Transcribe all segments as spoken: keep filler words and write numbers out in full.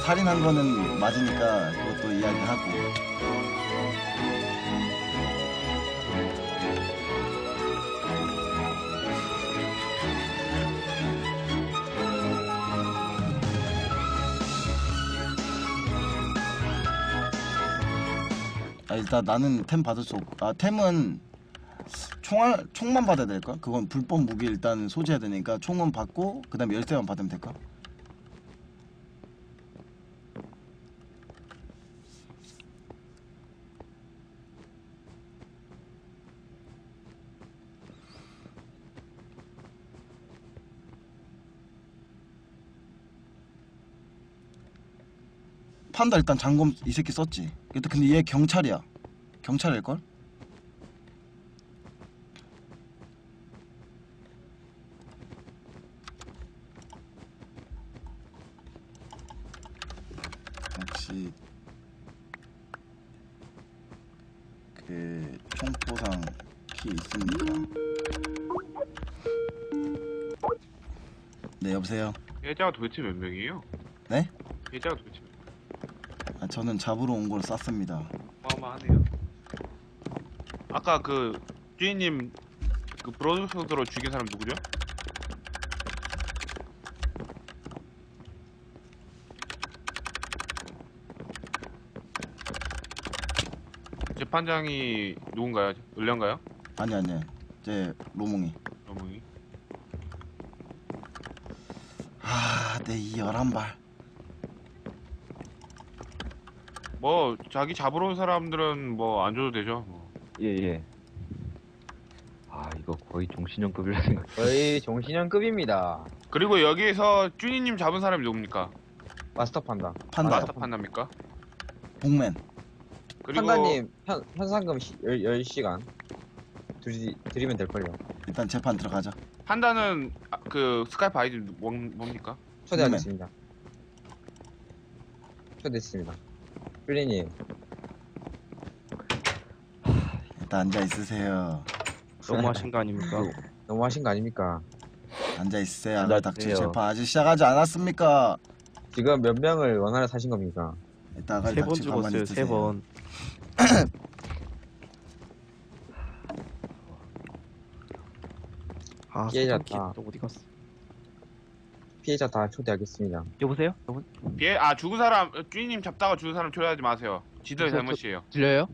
살인한 거는 맞으니까 그것도 이야기하고. 아, 일단 나는 템 받을 수 없고. 아, 템은 총알, 총만 받아야 될까? 그건 불법 무기 일단 소지해야 되니까 총은 받고 그 다음에 열쇠만 받으면 될까? 판다 일단 장검 이 새끼 썼지. 근데 얘 경찰이야. 경찰일걸? 역시 그 총포상 키 있습니다. 네, 여보세요? 예자가 도대체 몇 명이에요? 네? 예자가 도대체 몇 명? 아, 저는 잡으러 온 걸 쐈습니다. 어마어마하네요. 아까 그 주인님 그 브로드쇼드로 죽인 사람 누구죠? 재판장이 누군가요? 을련가요? 아니 아니 제 로몽이. 로몽이. 아, 내 이 열한 발. 뭐 자기 잡으러 온 사람들은 뭐 안 줘도 되죠. 뭐. 예예. 아 이거 거의 종신형급이라 생각. 거의 종신형급입니다. 그리고 여기에서 쭈니님 잡은 사람이 누굽니까? 마스터 판다. 판다. 마스터 판답니까? 복맨. 그리고 판다님 현, 현상금 열 시간 드리, 드리면 될걸요. 일단 재판 들어가자. 판다는 아, 그 스카이프 아이디 뭐, 뭡니까? 초대하겠습니다. 초대했습니다. 삐리님 일단 앉아 있으세요. 너무 하신 거 아닙니까? 너무 하신 거 아닙니까? 앉아 있으세요. 아가 닥쳐. 앉아주세요. 재판 아직 시작하지 않았습니까? 지금 몇 명을 원하러 사신 겁니까? 일단 아가 세 번 닥쳐 가만히 죽었어요. 있으세요. 세 번. 아, 피해자 소장키 다. 또 어디 갔어? 피해자 다 초대하겠습니다. 여보세요? 여보? 예, 아 죽은 사람 쭈니님 잡다가 죽은 사람 초대하지 마세요. 지들의 저- 저- 잘못이에요. 들려요?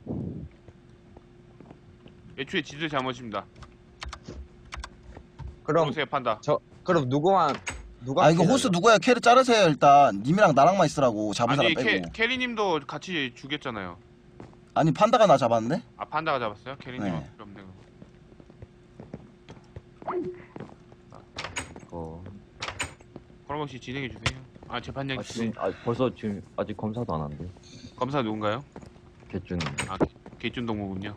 애초에 지들 잘못입니다. 그럼 보세요 판다. 그럼 누구만 누가 아, 이거 피해자죠? 호스 누구야? 캐리 자르세요 일단. 님이랑 나랑만 있으라고. 잡은 아니 사람 캐, 빼고. 캐리님도 같이 죽였잖아요. 아니 판다가 나 잡았는데? 아 판다가 잡았어요? 캐리님은 네. 필요 없네. 어. 그럼 혹시 진행해 주세요. 아 재판장 아, 지금 아, 벌써 지금 아직 검사도 안 한대. 검사 누군가요? 개준. 아 개준 동무군요.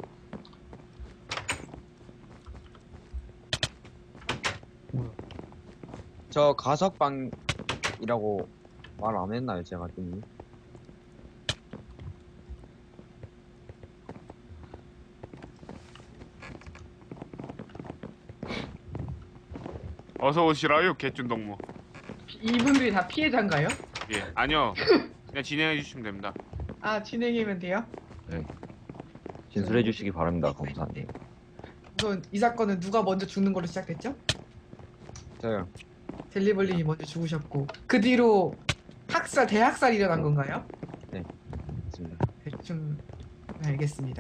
저 가석방이라고 말 안 했나요 제가 좀? 어서 오시라요 개준 동무. 이분들이 다 피해자인가요? 예 아니요 그냥 진행해 주시면 됩니다. 아 진행이면 돼요? 진술해 주시기 바랍니다 검사님. 우선 이 사건은 누가 먼저 죽는 걸로 시작됐죠? 저요. 델리벌린이 먼저 죽으셨고 그 뒤로 학살, 대학살이 일어난 건가요? 맞습니다. 대충 알겠습니다.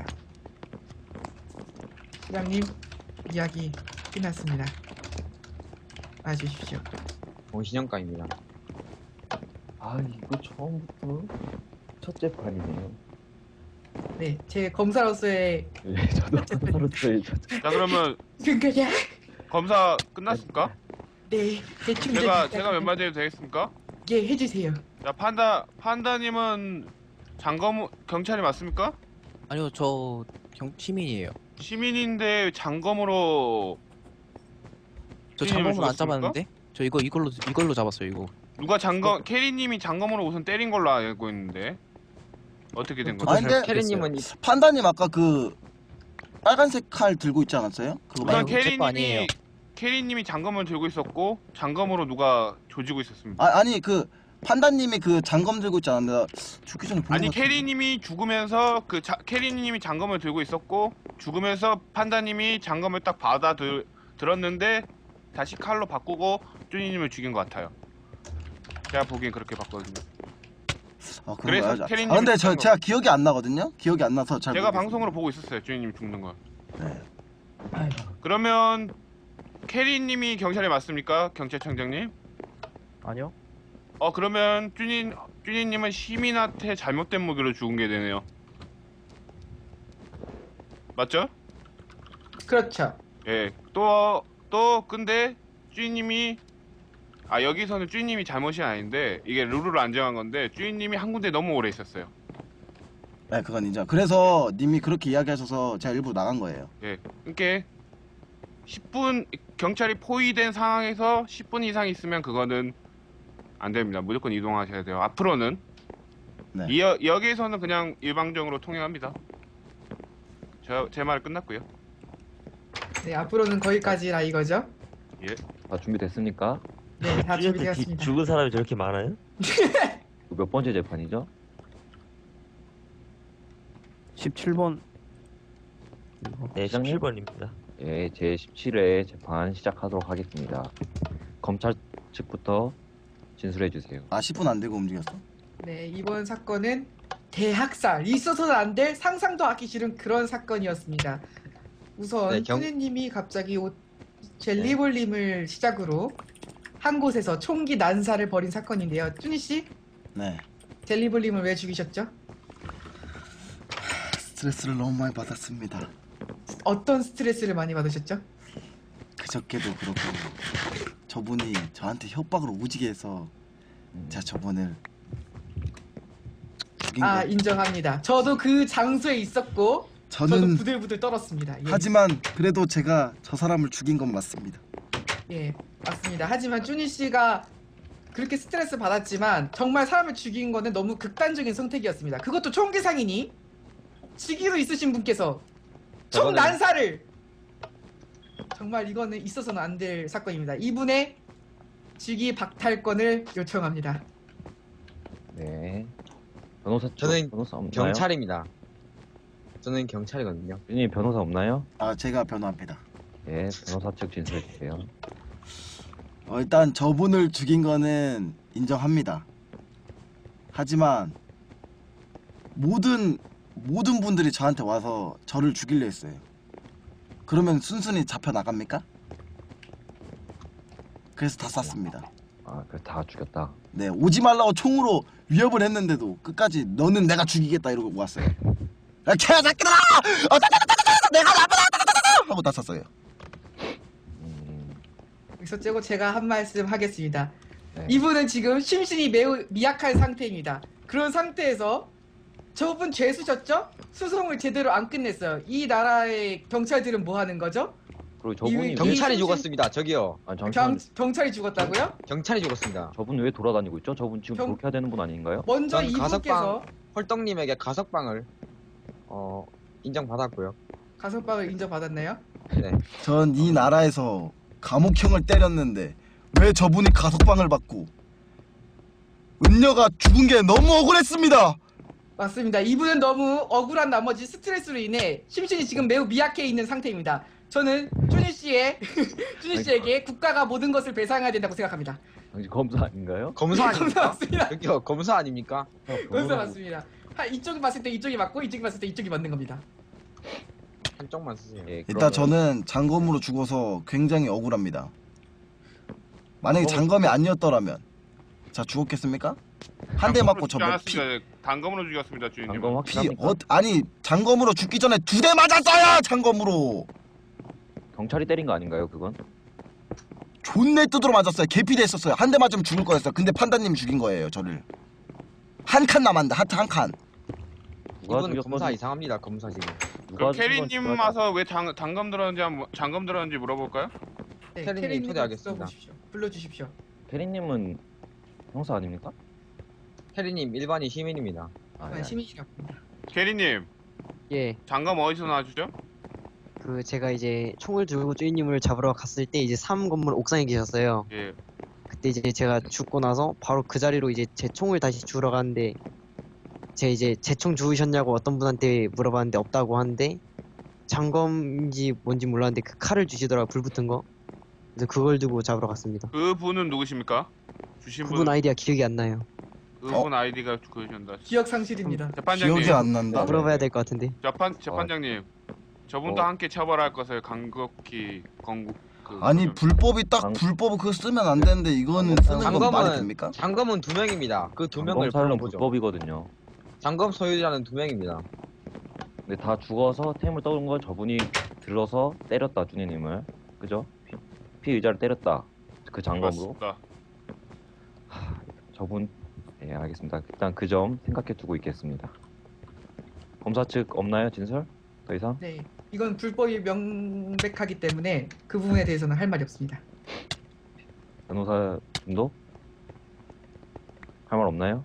시장님 이야기 끝났습니다. 와주십시오. 종신형가입니다. 아 이거 처음부터 첫 재판이네요. 네, 제 검사로서의 예, 저도 검사로서의 첫. 자 그러면 그거야. 검사 끝났습니까? 네, 대충 제가 제가 몇 마디 해도 되겠습니까? 예, 해주세요. 자 판다 판다님은 장검 경찰이 맞습니까? 아니요, 저 경, 시민이에요. 시민인데 장검으로 저 시민을 장검은 안 죽였습니까? 잡았는데? 저 이거 이걸로 이걸로 잡았어요, 이거. 누가 장검 캐리님이 장검으로 우선 때린 걸로 알고 있는데 어떻게 된 거죠? 아니, 근데 캐리님은 이- 판다님 아까 그 빨간색 칼 들고 있지 않았어요? 그거 우선 아니요, 말고. 제 거 아니에요. 캐리님이 캐리님이 장검을 들고 있었고 장검으로 누가 조지고 있었습니다. 아, 아니 그 판다님이 그 장검 들고 있지 않았나? 죽기 전에 본 아니 것 같은데. 캐리님이 죽으면서 그 자, 캐리님이 장검을 들고 있었고 죽으면서 판다님이 장검을 딱 받아 들, 들었는데 다시 칼로 바꾸고 쭈니님을 죽인 것 같아요. 제가 보기엔 그렇게 봤거든요. 아, 그런 그래서 거야. 캐리님이 아, 근데 저 죽은 제가 기억이 안 나거든요. 기억이 안 나서 잘. 제가 모르겠어요. 방송으로 보고 있었어요. 쭈니님 죽는 거. 네. 그러면 캐리님이 경찰에 맞습니까? 경찰청장님? 아니요. 어 그러면 쭈니 쭈니님은 시민한테 잘못된 무기로 죽은 게 되네요. 맞죠? 그렇죠. 예. 또 또 근데 쭈니님이 아 여기서는 쭈니님이 잘못이 아닌데 이게 룰을 안 정한 건데 쭈니님이 한 군데 너무 오래 있었어요. 네, 그건 인정. 그래서 님이 그렇게 이야기하셔서 제가 일부러 나간 거예요. 예. 그러니까 십 분 경찰이 포위된 상황에서 십 분 이상 있으면 그거는 안 됩니다. 무조건 이동하셔야 돼요. 앞으로는 네. 이 여, 여기에서는 그냥 일방적으로 통행합니다. 저 제 말 끝났고요. 네, 앞으로는 거기까지라 이거죠. 다 준비됐습니까? 네, 다 준비되었습니다. 죽은 사람이 저렇게 많아요? 몇 번째 재판이죠? 십칠 번. 네, 시장님? 십칠 번입니다. 예, 제십칠 회 재판 시작하도록 하겠습니다. 검찰 측부터 진술해 주세요. 아, 십 분 안 되고 움직였어? 네, 이번 사건은 대학살, 있어서는 안 될 상상도 하기 싫은 그런 사건이었습니다. 우선 네, 경- 쭈니님이 갑자기 오- 젤리볼님을 시작으로 한 곳에서 총기 난사를 벌인 사건인데요. 쭈니 씨, 네. 젤리볼님을 왜 죽이셨죠? 스트레스를 너무 많이 받았습니다. 어떤 스트레스를 많이 받으셨죠? 그저께도 그렇고 저분이 저한테 협박으로 오지게 해서 음, 제가 저분을 죽인 아, 거. 인정합니다. 저도 그 장소에 있었고 저도 저는 부들부들 떨었습니다. 예. 하지만 그래도 제가 저 사람을 죽인 건 맞습니다. 예, 맞습니다. 하지만 쭈니 씨가 그렇게 스트레스 받았지만 정말 사람을 죽인 거는 너무 극단적인 선택이었습니다. 그것도 총기상이니 직위로 있으신 분께서 총 저거는- 난사를 정말 이거는 있어서는 안 될 사건입니다. 이분의 직위 박탈권을 요청합니다. 네. 변호사 쪽 저는 변호사 없나요? 경찰입니다. 저는 경찰이거든요. 님 변호사 없나요? 아, 제가 변호합니다. 예, 변호사 측 진술해 주세요. 어, 일단 저분을 죽인 거는 인정합니다. 하지만 모든 모든 분들이 저한테 와서 저를 죽이려 했어요. 그러면 순순히 잡혀 나갑니까? 그래서 다 쐈습니다. 아, 그래 다 죽였다. 네, 오지 말라고 총으로 위협을 했는데도 끝까지 너는 내가 죽이겠다 이러고 왔어요. 야, 개새끼들아! 어따따따따따! 내가 나쁘다! 하고 다 쐈어요. 음, 여기서 째고 제가 한 말씀 하겠습니다. 네. 이분은 지금 심신이 매우 미약한 상태입니다. 그런 상태에서 저분 죄수셨죠? 수송을 제대로 안 끝냈어요. 이 나라의 경찰들은 뭐 하는 거죠? 그리고 저분이 이- 왜, 경찰이 이- 죽었습니다. 저기요. 아니 잠시만, 경, 경찰이 죽었다고요? 경찰이 죽었습니다. 저분 왜 돌아다니고 있죠? 저분 지금 경- 그렇게 해야 되는 분 아닌가요? 먼저 전 이분께서 헐떡님에게 가석방을 어 인정받았고요. 가석방을 인정받았나요? 네. 전 이 나라에서 감옥형을 때렸는데 왜 저분이 가석방을 받고 은녀가 죽은 게 너무 억울했습니다. 맞습니다. 이분은 너무 억울한 나머지 스트레스로 인해 심신이 지금 매우 미약해 있는 상태입니다. 저는 쭈니 씨의 쭈니 씨에게 국가가 모든 것을 배상해야 된다고 생각합니다. 당신 검사 아닌가요? 검사 검사 아닙니까? 맞습니다. 여기요. 검사 아닙니까? 검사 맞습니다. 하, 이쪽이 봤을 때 이쪽이 맞고 이쪽이 봤을 때 이쪽이 맞는 겁니다. 한쪽만 쓰세요. 예, 일단 그러면 저는 장검으로 죽어서 굉장히 억울합니다. 만약에 장검을 장검이 아니었더라면 자 죽었겠습니까? 한 대 맞고 저 죽지 몇 피, 않았습니다. 단검으로 죽였습니다, 주인님. 방금 피 확실합니까? 어, 아니 장검으로 죽기 전에 두 대 맞았어요. 장검으로 경찰이 때린 거 아닌가요? 그건? 존내 뜯으러 맞았어요. 개피대 했었어요. 한 대 맞으면 죽을 거였어요. 근데 판다님 죽인 거예요. 저를 한 칸 남았는데 하트 한 칸. 누가 이분 죽였건 검사 이상합니다. 검사 지금. 누가 그럼 죽인 건 캐리님 누가 와서 왜 장, 장검 들었는지 한번 장검 들었는지 물어볼까요? 네, 캐리님 캐리님 초대하겠습니다. 불러주십시오. 불러주십시오. 캐리님은 형사 아닙니까? 혜리님 일반인 시민입니다. 아, 아, 예. 시민이랍니다. 캐리님 예, 장검 어디서 나주죠? 그 제가 이제 총을 들고 주인님을 잡으러 갔을 때 이제 삼 건물 옥상에 계셨어요. 예. 그때 이제 제가 죽고 나서 바로 그 자리로 이제 제 총을 다시 주우러 가는데 제 이제 제 총 주우셨냐고 어떤 분한테 물어봤는데 없다고 하는데 장검인지 뭔지 몰랐는데 그 칼을 주시더라고요. 불 붙은 거. 그래서 그걸 두고 잡으러 갔습니다. 그 분은 누구십니까? 주신 분. 그분 아이디가 기억이 안 나요. 그분 아이디가 그러신다. 기억 상실입니다. 재판장님. 기억이 안 난다. 물어봐야 될 것 같은데. 재판 재판장님. 저분도 어. 함께 처벌할 것을 간곡히 건국. 그 아니 그- 불법이 딱 장- 불법 그거 쓰면 안 되는데 이거는 쓰는 건 말이 장검은 됩니까? 장검은 두 명입니다. 그 두 명을 검사는 보죠. 불법이거든요. 장검 소유자는 두 명입니다. 근데 다 죽어서 템을 떠온 건 저분이 들어서 때렸다 준이님을. 그죠? 피, 피의자를 때렸다. 그 장검으로. 맞습니다. 저분. 예, 알겠습니다. 일단 그 점 생각해 두고 있겠습니다. 검사 측 없나요, 진설? 더 이상? 네, 이건 불법이 명백하기 때문에 그 부분에 대해서는 할 말이 없습니다. 변호사님도? 할 말 없나요?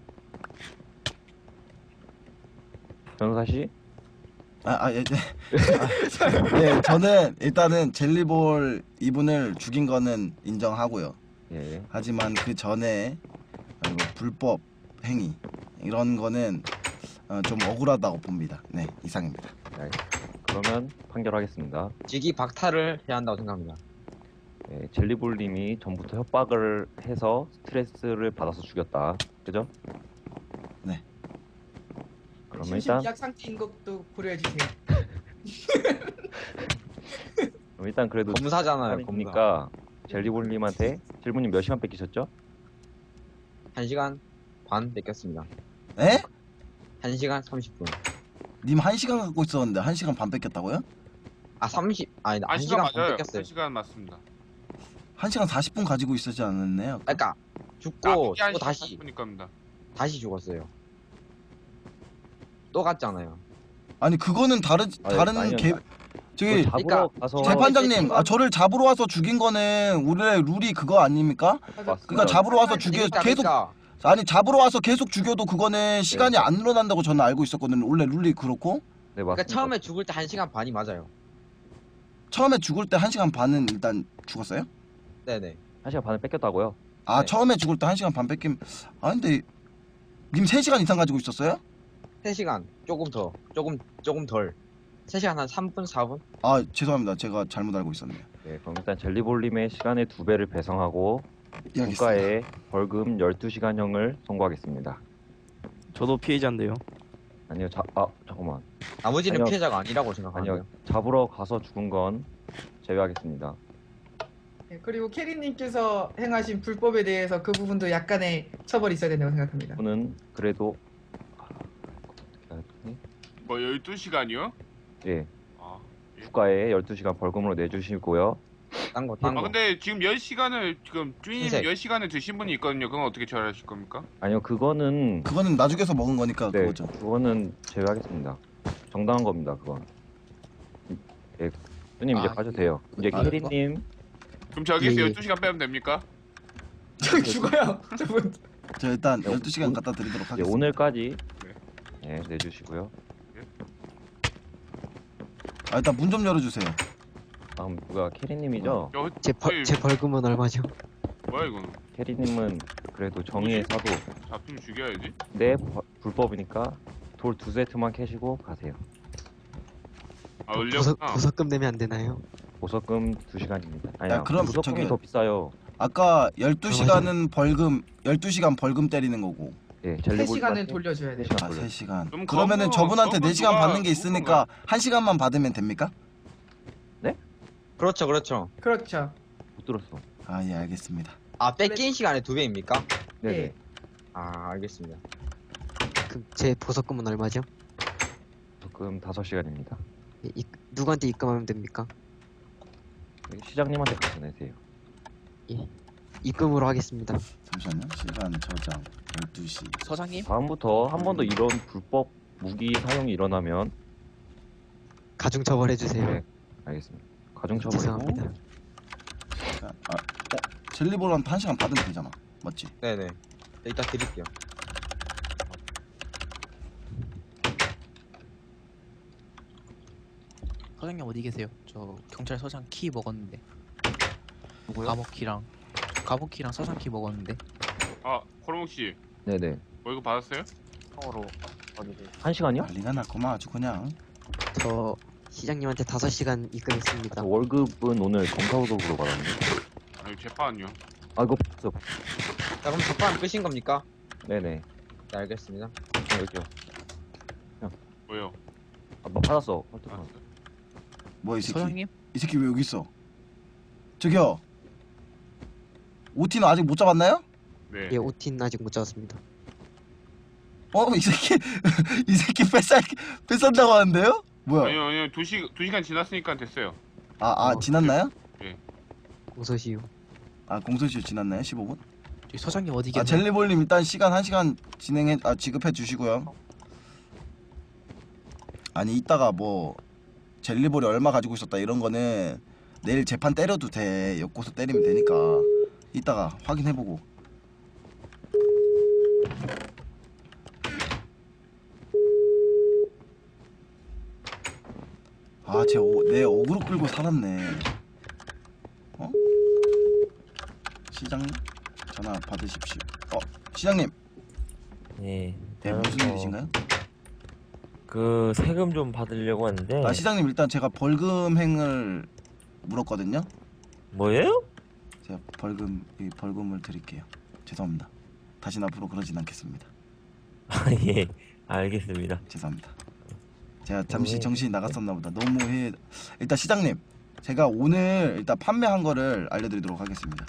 변호사 씨? 아, 아, 예, 예. 아, 예, 저는 일단은 젤리볼 이분을 죽인 거는 인정하고요. 예. 하지만 그 전에 어, 불법 행위 이런 거는 어, 좀 억울하다고 봅니다. 네, 이상입니다. 네, 그러면 판결하겠습니다. 직위 박탈을 해야 한다고 생각합니다. 예, 젤리볼님이 전부터 협박을 해서 스트레스를 받아서 죽였다. 그죠? 네. 그러면 심신 일단 미약 상태인 것도 고려해 주세요. 그럼 일단 그래도 검사잖아요. 아니, 검사. 보니까 젤리볼님한테 질문님 몇 시간 뺏기셨죠? 한 시간 반 뺏겼습니다. 에? 한 시간 삼십 분. 님 한 시간 갖고 있었는데 한 시간 반 뺏겼다고요? 아 삼십 아니 한 한 시간 시간 반 맞아요. 뺏겼어요. 한 시간 맞습니다. 한 시간 사십 분 가지고 있었지 않았나요? 그러니까 죽고 아, 이게 한 또 시간 다시 사십 분이니까입니다. 다시 죽었어요. 또 갔잖아요. 아니 그거는 다른 아니, 다른 아니요. 개 저기 잡으러 그러니까 가서 재판장님, 아 저를 잡으러 와서 죽인 거는 우리의 룰이 그거 아닙니까? 맞습니다. 그러니까 잡으러 와서 죽여 그러니까, 계속 그러니까 아니 잡으러 와서 계속 죽여도 그거는 시간이 안 늘어난다고 저는 알고 있었거든요. 원래 룰이 그렇고 네, 그러니까 맞습니다. 처음에 죽을 때 한 시간 반이 맞아요. 처음에 죽을 때 한 시간 반은 일단 죽었어요? 네네. 한 시간 반을 뺏겼다고요? 아 네. 처음에 죽을 때 한 시간 반 뺏김. 아 근데 님 세 시간 이상 가지고 있었어요? 세 시간 조금 더 조금 조금 덜. 세 시간 한 삼 분 사 분? 아 죄송합니다. 제가 잘못 알고 있었네요. 네, 그럼 일단 젤리볼님의 시간의 두 배를 배상하고 예, 알겠습니다. 국가에 벌금 열두 시간형을 선고하겠습니다. 저도 피해자인데요. 아니요, 자, 아 잠깐만. 나머지는 아니요. 피해자가 아니라고 생각하는데요. 아니요, 잡으러 가서 죽은 건 제외하겠습니다. 네, 그리고 캐리님께서 행하신 불법에 대해서 그 부분도 약간의 처벌이 있어야 된다고 생각합니다. 저는 그래도 아, 어떻게 하지? 뭐 열두 시간이요? 예, 아. 국가에 열두 시간 벌금으로 내주시고요. 딴 거, 딴 아 거. 근데 지금 열 시간을 지금 주인님 흰색. 열 시간을 드신 분이 있거든요. 그건 어떻게 처리하실 겁니까? 아니요, 그거는 그거는 나중에서 먹은 거니까 네, 그거죠. 그거는 제외하겠습니다. 정당한 겁니다, 그건. 예, 누님 이제 아, 가셔도 돼요. 이제 아, 캐리님 그럼 저기서 예, 예. 열두 시간 빼면 됩니까? 저 죽어요. 저분. 저 일단 네, 열두 시간 오- 갖다 드리도록 이제 하겠습니다. 오늘까지 네. 예, 내주시고요. 아 일단 문 좀 열어주세요. 다음 누가 캐리님이죠? 저 제, 벌, 제 벌금은 얼마죠? 뭐야 이거는? 캐리님은 그래도 정의의 사도. 잡히면 죽여야지. 네, 버- 불법이니까 돌 두 세트만 캐시고 가세요. 아 보석, öl렸구나. 보석금 내면 안 되나요? 보석금 두 시간입니다. 아니야, 야, 그럼 보석금이 저기- 더 비싸요. 아까 열두 시간은 벌금 열두 시간 벌금 때리는 거고 예, 세 젤리볼님한테 시간을 돌려줘야 돼요. 세 시간 아 돌려. 세 시간 그럼 그러면은 그거- 저분한테 그거 네 시간 누가- 받는 게 있으니까 한 시간만 받으면 됩니까? 그렇죠, 그렇죠. 그렇죠. 못 들었어. 아 예 알겠습니다. 아 뺏긴 시간에 두 배입니까? 네네. 예. 아 알겠습니다. 그럼 제 보석금은 얼마죠? 보석금 다섯 시간입니다. 예, 이, 누구한테 입금하면 됩니까? 시장님한테 가서 내세요. 입금으로 하겠습니다. 잠시만요. 시간 저장 열두 시. 서장님? 다음부터 한 번 더 이런 불법 무기 사용이 일어나면 가중 처벌해 주세요. 네, 알겠습니다. 가중처벌. 죄송합니다. 아, 어? 젤리볼한테 한 시간 받으면 되잖아. 맞지? 네네. 이따 드릴게요. 서장님 어디 계세요? 저 경찰서장 키 먹었는데. 누구요? 감옥 키랑 가부키랑 서장키 먹었는데. 아 호롱 씨 네네. 월급 받았어요? 통으로 어디 한 시간이요? 난리가 났구만 아주 그냥. 저 시장님한테 다섯 시간 입금했습니다. 아, 월급은 오늘 정사월급으로 받았는데. 아니 재판은요? 아 이거 없어. 자 그럼 접판 끄신 겁니까? 네네. 네 알겠습니다. 어, 여기요. 뭐요? 아, 뭐 받았어. 아, 헐떡. 뭐야 이 새끼? 서장님? 이 새끼 왜 여기 있어? 저기요. 오티는 아직 못 잡았나요? 네. 예, 오틴 아직 못 잡았습니다. 어? 이 새끼 이 새끼 뺏살 뺏산다고 하는데요? 뭐야? 아니요 아니요 두 시 두 시간 지났으니까 됐어요. 아, 아 어, 지났나요? 공소시효. 아 공소시효 지났나요? 십오 분? 저기 서장님 어디 아 계세요? 젤리볼님 일단 시간 한 시간 진행해 아 지급해 주시고요. 아니 이따가 뭐 젤리볼이 얼마 가지고 있었다 이런 거는 내일 재판 때려도 돼. 엮고서 때리면 되니까 이따가 확인해보고. 아, 쟤 어, 내 어그로 끌고 살았네. 어? 시장님 전화 받으십시오. 어, 시장님. 네. 네, 무슨 어, 일이신가요? 그 세금 좀 받으려고 하는데. 아, 시장님 일단 제가 벌금행을 물었거든요. 뭐예요? 제가 벌금 이 벌금을 드릴게요. 죄송합니다. 다신 앞으로 그러진 않겠습니다. 아 예. 알겠습니다. 죄송합니다. 제가 잠시 네. 정신이 나갔었나 보다. 너무 해. 일단 시장님, 제가 오늘 일단 판매한 거를 알려드리도록 하겠습니다.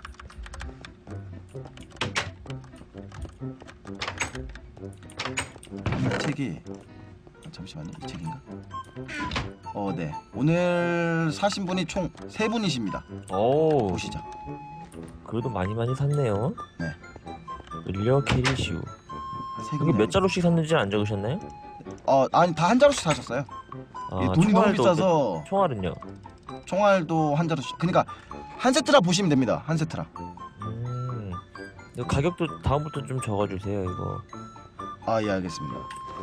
판매 책이 아, 잠시만요. 이 책인가? 어, 네. 오늘 사신 분이 총 세 분이십니다. 오. 보시죠. 그래도 많이 많이 샀네요. 네. 을려 캐리슈. 세 이거 분이 몇 자루씩 샀는지 안 적으셨나요? 어, 아니 다 한 자루씩 사셨어요. 아, 이게 돈이 너무 총알도 비싸서 몇- 총알은요? 총알도 한 자루씩. 그러니까 한 세트라 보시면 됩니다. 한 세트라. 음. 이거 가격도 다음부터 좀 적어주세요. 이거. 아, 예, 알겠습니다.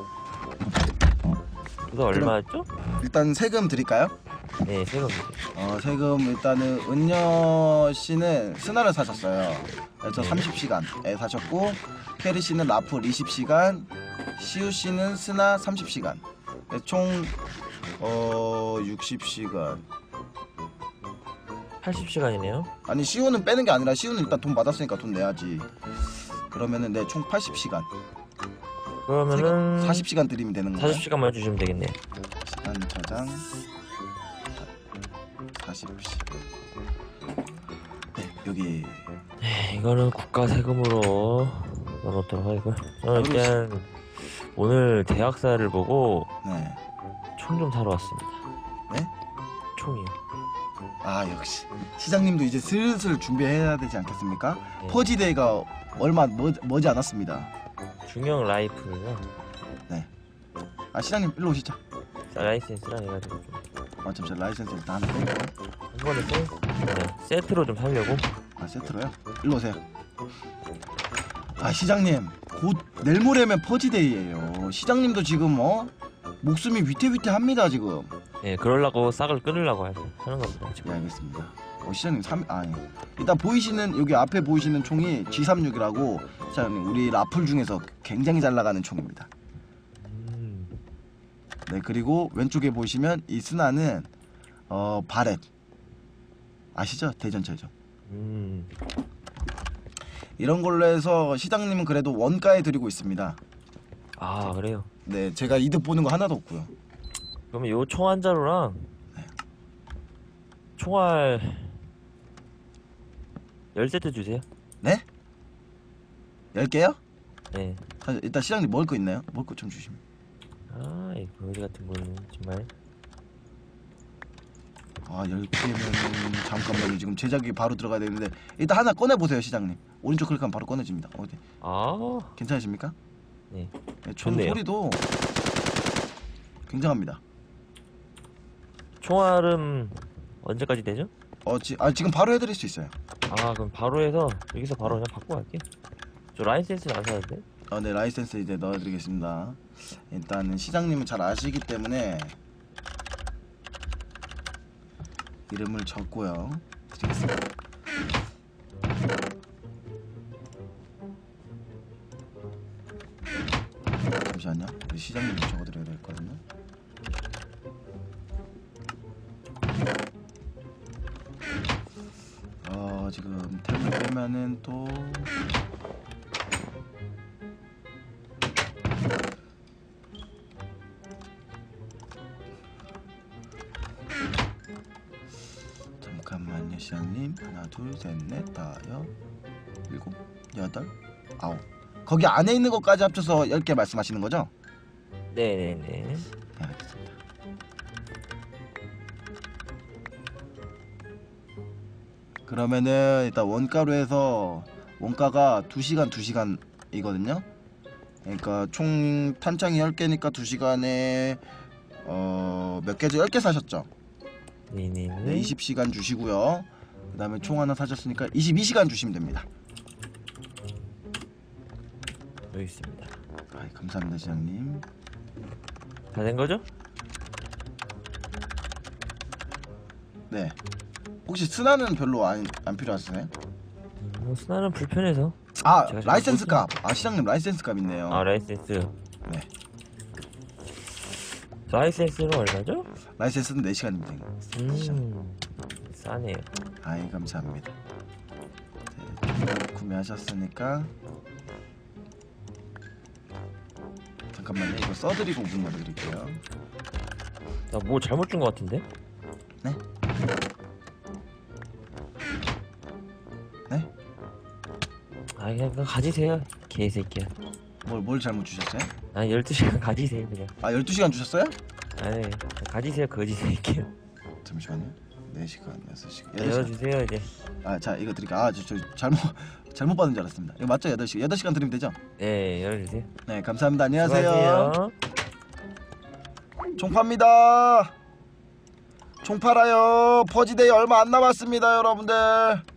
이거 얼마였죠? 일단 세금 드릴까요? 네, 세금. 어, 세금 일단은 은녀 씨는 스나를 사셨어요. 그래서 네. 삼십 시간에 사셨고, 캐리 씨는 라플 이십 시간, 시우 씨는 스나 삼십 시간. 그래서 총 어, 육십 시간. 팔십 시간이네요. 아니, 시우는 빼는 게 아니라 시우는 일단 돈 받았으니까 돈 내야지. 그러면은 네, 총 팔십 시간. 그러면은 사십 시간 드리면 되는 거예요. 사십 시간만 주시면 되겠네요. 시간 저장 사십 시간. 네, 여기 네, 이거는 국가 세금으로 넣어놓도록 하고요. 저는 일단 오늘 대학사를 보고 네. 총 좀 사러 왔습니다. 네? 총이요. 아, 역시 시장님도 이제 슬슬 준비해야 되지 않겠습니까? 네. 퍼지데이가 얼마 멀, 머지 않았습니다. 중형 라이플이요. 아, 시장님 일로 오시죠. 라이센스랑 해가지고 좀 아, 잠시만 라이센스 일단 하나 빼고. 한 번에 세, 네, 세트로 좀 살려고. 아, 세트로요? 일로 오세요. 아, 시장님 곧 내일 모레면 퍼지데이예요. 시장님도 지금 어 목숨이 위태위태합니다 지금. 네, 그러려고 싹을 끊으려고 하- 하는 겁니다. 네, 지금. 알겠습니다. 어, 시장님 삼 아, 예. 일단 보이시는 여기 앞에 보이시는 총이 지 삼십육이라고 시장님 우리 라플 중에서 굉장히 잘 나가는 총입니다. 음, 네, 그리고 왼쪽에 보시면 이 스나는 어 바렛 아시죠? 대전철죠. 음, 이런 걸로 해서 시장님은 그래도 원가에 드리고 있습니다. 아 그래요. 네, 제가 이득 보는 거 하나도 없고요. 그러면 요 총 한 자루랑 총알 열 세트 주세요. 네? 열 개요? 네. 사실 일단 시장님 먹을 거 있나요? 먹을 거 좀 주시면. 아, 이 거지 같은 거는 정말. 아, 열 개면 잠깐만요. 지금 제작이 바로 들어가야 되는데 일단 하나 꺼내 보세요, 시장님. 오른쪽 클릭하면 바로 꺼내집니다. 어디? 아, 괜찮으십니까? 네. 네, 총 좋네요. 소리도 굉장합니다. 총알은 언제까지 되죠? 어, 지, 아, 지금 바로 해드릴 수 있어요. 아, 그럼 바로 해서 여기서 바로 그냥 바꿔 갈게요. 저 라이센스는 안 사는데? 어, 네, 라이센스 이제 넣어드리겠습니다. 일단은 시장님은 잘 아시기 때문에 이름을 적고요. 드리겠습니다. 시장님 적어드려야 되거든요. 어 지금 템을 빼면은 또 잠깐만요 시장님. 하나 둘 셋 넷 다섯 일곱 여덟 아홉. 거기 안에 있는 것까지 합쳐서 열 개 말씀하시는 거죠? 네네네. 네, 알겠습니다. 그러면은 일단 원가로 해서 원가가 두 시간 두 시간이거든요. 그러니까 총 탄창이 열 개니까 두 시간에 어, 몇 개죠? 열 개 사셨죠? 네네네. 네, 이십 시간 주시고요. 그 다음에 총 하나 사셨으니까 이십이 시간 주시면 됩니다. 여기 있습니다. 아, 감사합니다 시장님. 다 된 거죠? 네. 혹시 스나는 별로 안, 안 필요하세요? 음, 뭐 순환은 불편해서. 아 제가 잘 라이센스 모르겠- 값. 아 시장님 라이센스 값 있네요. 아 라이센스. 네. 라이센스는 얼마죠? 라이센스는 네 시간입니다. 음 싸네요. 아이 감사합니다. 네, 구매하셨으니까 잠깐만요. 이거 써드리고 문 열어드릴게요. 나 뭐 잘못 준 거 같은데? 네? 네? 아 그냥 그거 가지세요 개새끼야. 뭘, 뭘 잘못 주셨어요? 아 열두 시간 가지세요 그냥. 아 열두 시간 주셨어요? 아니 가지세요 거지 새끼야. 잠시만요. 네 시간, 여섯 시간, 여덟 시간. 열어주세요 이제. 아, 자 이거 드릴게요. 아, 저, 저 잘못 잘못 받은 줄 알았습니다. 이거 맞죠? 여덟 시간. 여덟 시간 드리면 되죠? 네 열어주세요. 네, 감사합니다. 안녕하세요. 수고하세요. 총 팝니다. 총 팔아요. 퍼지데이 얼마 안 남았습니다, 여러분들.